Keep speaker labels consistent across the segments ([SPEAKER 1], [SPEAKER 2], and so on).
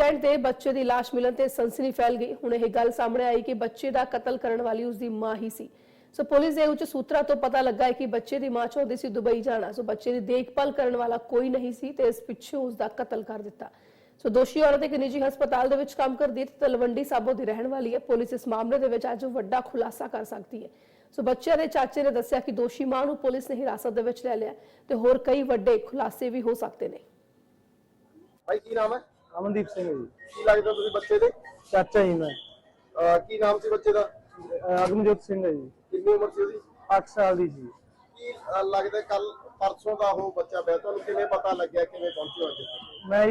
[SPEAKER 1] Stand ते बच्चे की लाश मिलन ते सनसनी फैल गई। हुण यह गल सामने आई कि बच्चे का कतल करने वाली उसकी मां ही सी। सो पुलिस के उच्च सूत्रों तो पता लगा है कि बच्चे की मां चाहती सी दुबई जाना। सो बच्चे की देखभाल करने वाला कोई नहीं सी ते इस पिछों उसका कतल कर दिता। सो दोषी औरत एक निजी हस्पताल दे विच काम करदी ते तलवंडी साबो दी रहण वाली है। पुलिस इस मामले दे विच अज वड्डा खुलासा कर सकती है। सो बच्चे के चाचे ने दस्सिया कि दोषी मां नूं पुलिस ने हिरासत दे विच लै लिया ते होर कई वड्डे खुलासे भी हो सकते हैं।
[SPEAKER 2] भाई की नाम है?
[SPEAKER 3] अमनदीप सिंह जी।
[SPEAKER 2] की लगदा तुसीं बच्चे दे?
[SPEAKER 3] चाचा ही मैं।
[SPEAKER 2] की नाम सी बच्चे दा?
[SPEAKER 3] अगमजोत सिंह है जी।
[SPEAKER 2] कितनी उम्र सी ओदी?
[SPEAKER 3] 8 साल दी जी।
[SPEAKER 2] की लगदा कल परसों दा हो बच्चा पिया तुहानूं किवें पता लग्या किवें पहुंचे अज?
[SPEAKER 3] मैं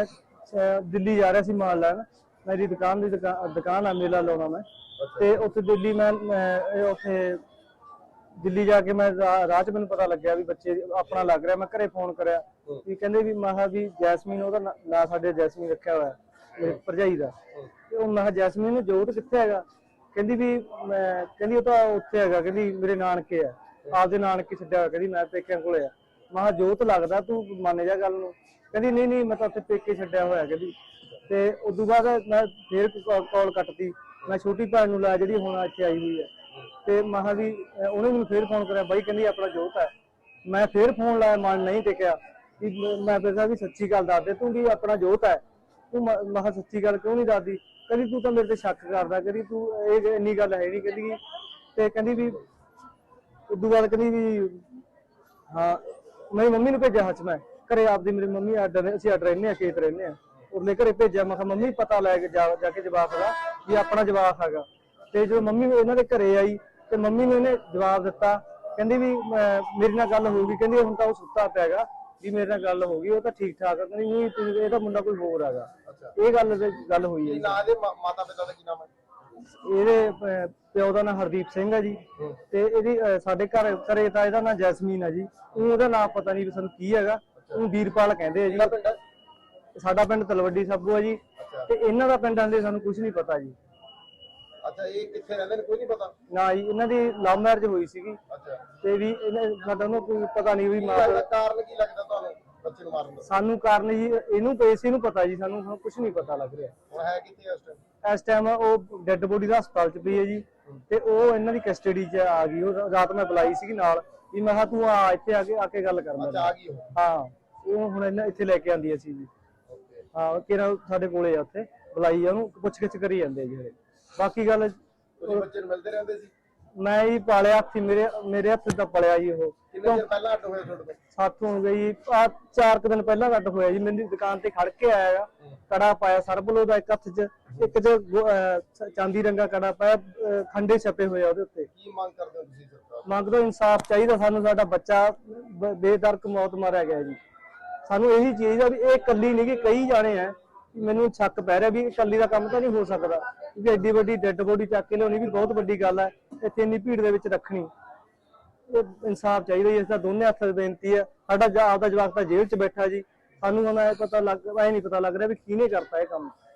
[SPEAKER 3] जी दिल्ली जा रहा सी माल लैन। मेरी दुकान है मेला लाउणा मैं ते उत्थे दिल्ली मैं उत्थे दिल्ली जाके मैं राह च मैनूं पता लग्या भी बच्चे अपना लग रहा। मैं घरे फोन करया भी कहंदे भी महा भी जैसमीन ओहदा ना साडे जैसमीन रखिया होया मेरी भरजाई दा ते ओह मैं जैसमीन जोत कित्थे हैगा कहंदी भी कहंदी ओह तां उत्थे हैगा कहंदी मेरे नानके है आपदे नानके छड्डिया होया कहंदी मैं पेकिਆਂ कोले आ। महा जोत लगदा तू मान जा गल नूं कहंदी नहीं नहीं मैं तां उत्थे पेके छड्डिया होया कहंदी ते उदों बाद मैं फिर कॉल कटती। मैं छोटी भैन नूं ला जिहड़ी हुण इत्थे आई हुई है ते महा भी उहने मैनूं फिर फोन करया बाई कहंदी अपना जोत है। मैं फिर फोन लाया मन नहीं टिकिया कि मैं फिर भी सच्ची गल दस दे तू भी अपना जोत है तू महा सच्ची गल क्यों नहीं दसदी कहंदी तू तो मेरे ते शक करदा कहंदी तू इन्नी गल है नहीं कहंदी ते कहंदी भी उदों बाद कहंदी भी हाँ मेरी मम्मी नूं भेजिया हच मैं घरे आपदी मेरी मम्मी असीं अड रहिंदे खेत रहिंदे उरले घरे भेजिया मैं मम्मी पता लैके जाके जवाब दा भी अपना जवाब हैगा ते जो मम्मी इन्हां दे घरे आई ते मम्मी ने इन्हें जवाब दिता कहंदी भी मेरे नाल गल हो गई कहंदी हुण तां ओह सुत्ता पिया हैगा भी मेरे नाल गल हो गई ओह तां ठीक ठाक है कहंदी नहीं इहदा मुंडा कोई होर हैगा। ਇਹ ਗੱਲ ਹੋਈ ਹੈ ਜੀ।
[SPEAKER 2] ਨਾਂ ਦੇ ਮਾਤਾ ਪਿਤਾ ਦਾ ਕੀ ਨਾਮ ਹੈ?
[SPEAKER 3] ਇਹਦੇ ਪਿਓ ਦਾ ਨਾਮ ਹਰਦੀਪ ਸਿੰਘ ਹੈ ਜੀ ਤੇ ਇਹਦੀ ਸਾਡੇ ਘਰੇ ਤਾਂ ਇਹਦਾ ਨਾਮ ਜੈਸਮੀਨ ਹੈ ਜੀ। ਉਹਦਾ ਨਾਮ ਪਤਾ ਨਹੀਂ ਸਾਨੂੰ ਕੀ ਹੈਗਾ ਉਹ ਵੀਰਪਾਲ ਕਹਿੰਦੇ ਆ ਜੀ। ਸਾਡਾ ਪਿੰਡ ਤਲਵੱਡੀ ਸਾਬੋ ਹੈ ਜੀ ਤੇ ਇਹਨਾਂ ਦਾ ਪਿੰਡਾਂ ਦੇ ਸਾਨੂੰ ਕੁਝ ਨਹੀਂ ਪਤਾ ਜੀ।
[SPEAKER 2] ਅੱਛਾ ਇਹ ਕਿੱਥੇ ਰਹਿੰਦੇ ਨੇ ਕੋਈ ਨਹੀਂ ਪਤਾ?
[SPEAKER 3] ਨਾ ਜੀ ਇਹਨਾਂ ਦੀ ਲਵ ਮੈਰਿਜ ਹੋਈ ਸੀਗੀ।
[SPEAKER 2] ਅੱਛਾ
[SPEAKER 3] ਤੇ ਵੀ ਸਾਡਾ ਉਹਨੂੰ ਕੋਈ ਪਤਾ ਨਹੀਂ ਵੀ ਮਾਂ
[SPEAKER 2] ਕਾਰਨ ਕੀ ਲੱਗਦਾ ਤੁਹਾਨੂੰ ਬੱਚੇ ਨੂੰ ਮਾਰਨ ਦਾ?
[SPEAKER 3] ਸਾਨੂੰ ਕਾਰਨ ਜੀ ਇਹਨੂੰ ਇਸੇ ਨੂੰ ਪਤਾ ਜੀ ਸਾਨੂੰ ਕੁਝ ਨਹੀਂ ਪਤਾ ਲੱਗ ਰਿਹਾ।
[SPEAKER 2] ਹੁਣ ਹੈ ਕਿੱਥੇ
[SPEAKER 3] ਇਸ ਟਾਈਮ ਉਹ ਡੈੱਡ ਬੋਡੀ ਦਾ ਹਸਪਤਾਲ ਚ ਪਈ ਹੈ ਜੀ ਤੇ ਉਹ ਇਹਨਾਂ ਦੀ ਕਸਟਡੀ ਚ ਆ ਗਈ। ਉਹ ਰਾਤ ਮੈਂ ਬੁਲਾਈ ਸੀਗੀ ਨਾਲ ਵੀ ਮੈਂ ਕਿਹਾ ਤੂੰ ਆ ਇੱਥੇ ਆ ਕੇ ਗੱਲ ਕਰ
[SPEAKER 2] ਅੱਛਾ ਆ ਗਈ ਉਹ?
[SPEAKER 3] ਹਾਂ ਉਹ ਹੁਣ ਇਹਨਾਂ ਇੱਥੇ ਲੈ ਕੇ ਆਂਦੀ ਅਸੀਂ ਜੀ। ਹਾਂ ਕਿਹੜਾ ਸਾਡੇ ਕੋਲੇ ਆ ਉੱਥੇ ਬੁਲਾਈ ਆ ਉਹਨੂੰ ਪੁੱਛ ਗਿੱਛ ਕਰੀ ਜਾਂਦੇ ਜੀ। ਬਾਕੀ ਗੱਲ
[SPEAKER 2] ਤੁਸੀਂ ਬੱਚੇ ਨੂੰ ਮਿਲਦੇ ਰਹਿੰਦੇ ਸੀ?
[SPEAKER 3] ਮੈਂ ਹੀ ਪਾਲਿਆ ਹੱਥੀ ਮੇਰੇ ਹੱਥ ਦਾ ਪਲਿਆ ਜੀ ਉਹ।
[SPEAKER 2] ਕਿੰਨੇ ਦਿਨ ਪਹਿਲਾਂ ਅੱਡ ਹੋਏ ਤੁਹਾਡੇ ਤੋਂ?
[SPEAKER 3] ਸਾਥੋਂ ਹੋ ਗਈ 4 ਦਿਨ ਪਹਿਲਾਂ ਅੱਡ ਹੋਇਆ ਜੀ। ਮੇਰੀ ਦੁਕਾਨ ਤੇ ਖੜ ਕੇ ਆਇਆ ਕੜਾ ਪਾਇਆ ਸਰਬਲੋ ਦਾ ਇੱਕ ਹੱਥ 'ਚ ਇੱਕ 'ਚ ਚਾਂਦੀ ਰੰਗਾ ਕੜਾ ਪਾਇਆ ਖੰਡੇ ਛਪੇ ਹੋਏ ਆ ਉਹਦੇ ਉੱਤੇ।
[SPEAKER 2] ਕੀ ਮੰਗ ਕਰਦੇ ਹੋ ਤੁਸੀਂ ਸਰਕਾਰ?
[SPEAKER 3] ਮੰਗਦੇ ਇਨਸਾਫ ਚਾਹੀਦਾ ਸਾਨੂੰ। ਸਾਡਾ ਬੱਚਾ ਬੇਦਰਕ ਮੌਤ ਮਾਰਿਆ ਗਿਆ ਜੀ। ਸਾਨੂੰ ਇਹੀ ਚੀਜ਼ ਆ ਵੀ ਇਹ ਇਕੱਲੀ ਨਹੀਂ ਗੀ ਕਈ ਜਾਣੇ ਆ। ਮੈਨੂੰ ਸ਼ੱਕ ਪੈ ਰਿਹਾ ਵੀ ਇਕੱਲੀ ਦਾ ਕੰਮ ਤਾਂ ਨਹੀਂ ਹੋ ਸਕਦਾ ਕਿਉਂਕਿ ਐਡੀ ਵੱਡੀ ਡੈੱਡ ਬੋਡੀ ਚੱਕ ਕੇ ਲਿਆਉਣੀ ਵੀ ਬਹੁਤ ਵੱਡੀ ਗੱਲ ਹੈ। ਇੱਥੇ ਇੰਨੀ ਭੀੜ ਦੇ ਵਿੱਚ ਰੱਖਣੀ ਇਹ ਇਨਸਾਫ ਚਾਹੀਦਾ ਜੀ। ਇਸ ਦਾ ਦੋਨੇ ਹੱਥ ਬੇਨਤੀ ਹੈ। ਸਾਡਾ ਆਪਦਾ ਜਵਾਕ ਤਾਂ ਜੇਲ੍ਹ 'ਚ ਬੈਠਾ ਜੀ। ਸਾਨੂੰ ਹੁਣ ਇਹ ਨਹੀਂ ਪਤਾ ਲੱਗ ਰਿਹਾ ਵੀ ਕਿਹਨੇ ਕਰਤਾ ਇਹ ਕੰਮ।